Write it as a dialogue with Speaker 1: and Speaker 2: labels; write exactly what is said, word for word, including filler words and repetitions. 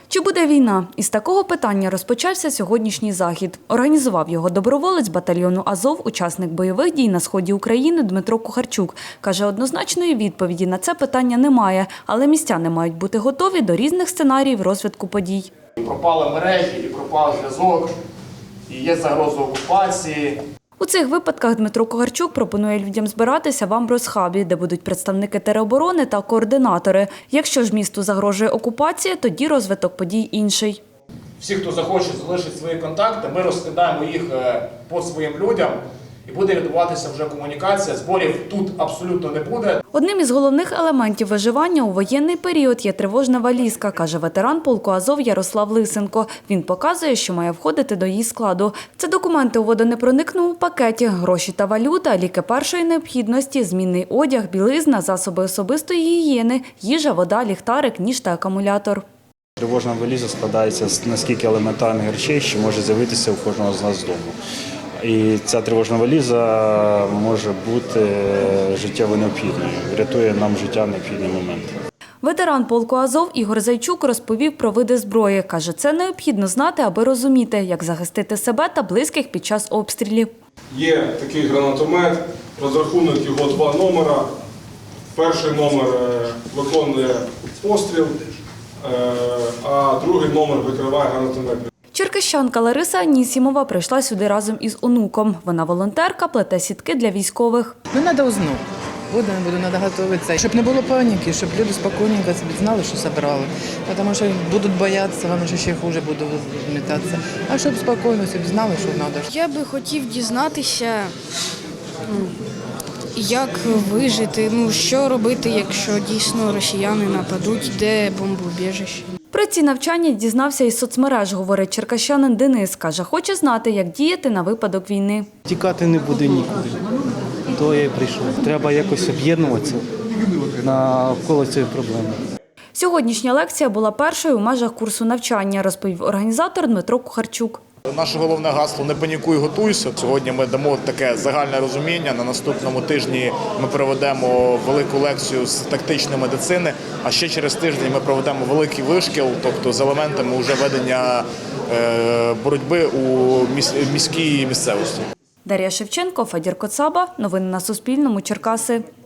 Speaker 1: Чи буде війна? Із такого питання розпочався сьогоднішній захід. Організував його доброволець батальйону «Азов», учасник бойових дій на сході України Дмитро Кухарчук. Каже, однозначної відповіді на це питання немає, але містяни мають бути готові до різних сценаріїв розвитку подій.
Speaker 2: Пропали мережі, і пропав зв'язок, і є загроза окупації.
Speaker 1: У цих випадках Дмитро Кухарчук пропонує людям збиратися в Амброс-хабі, де будуть представники тероборони та координатори. Якщо ж місту загрожує окупація, тоді розвиток подій інший.
Speaker 2: Всі, хто захоче залишити свої контакти, ми розкидаємо їх по своїм людям. І буде відбуватися вже комунікація, зборів тут абсолютно не буде.
Speaker 1: Одним із головних елементів виживання у воєнний період є тривожна валізка, каже ветеран полку «Азов» Ярослав Лисенко. Він показує, що має входити до її складу. Це документи у водонепроникному пакеті, гроші та валюта, ліки першої необхідності, змінний одяг, білизна, засоби особистої гігієни, їжа, вода, ліхтарик, ніж та акумулятор.
Speaker 3: Тривожна валіза складається з наскільки елементарних речей, що може з'явитися у кожного з нас вдома. І ця тривожна валіза може бути життєво необхідною, врятує нам життя в необхідний момент.
Speaker 1: Ветеран полку «Азов» Ігор Зайчук розповів про види зброї. Каже, це необхідно знати, аби розуміти, як захистити себе та близьких під час обстрілів.
Speaker 4: Є такий гранатомет, розрахунок його два номера. Перший номер виконує постріл, а другий номер викриває гранатомет.
Speaker 1: Черкащанка Лариса Анісімова прийшла сюди разом із онуком. Вона волонтерка, плете сітки для військових.
Speaker 5: Ну, треба узнати. Буду, буду, треба готуватися. Щоб не було паніки, щоб люди спокійненько знали, що зібрали. Тому що будуть боятися, вам ще хуже буде змітатися. А щоб спокійно, щоб знали, що треба.
Speaker 6: Я би хотів дізнатися, як вижити, ну, що робити, якщо дійсно росіяни нападуть, де бомбоубіжище.
Speaker 1: Про ці навчання дізнався із соцмереж, говорить черкащанин Денис. Каже, хоче знати, як діяти на випадок війни.
Speaker 7: Тікати не буде нікуди, то я і прийшов. Треба якось об'єднуватися навколо цієї проблеми.
Speaker 1: Сьогоднішня лекція була першою у межах курсу навчання, розповів організатор Дмитро Кухарчук.
Speaker 2: Наше головне гасло «Не панікуй, готуйся». Сьогодні ми дамо таке загальне розуміння. На наступному тижні ми проведемо велику лекцію з тактичної медицини, а ще через тиждень ми проведемо великий вишкіл, тобто з елементами вже ведення боротьби у міській місцевості.
Speaker 1: Дар'я Шевченко, Федір Коцаба. Новини на Суспільному. Черкаси.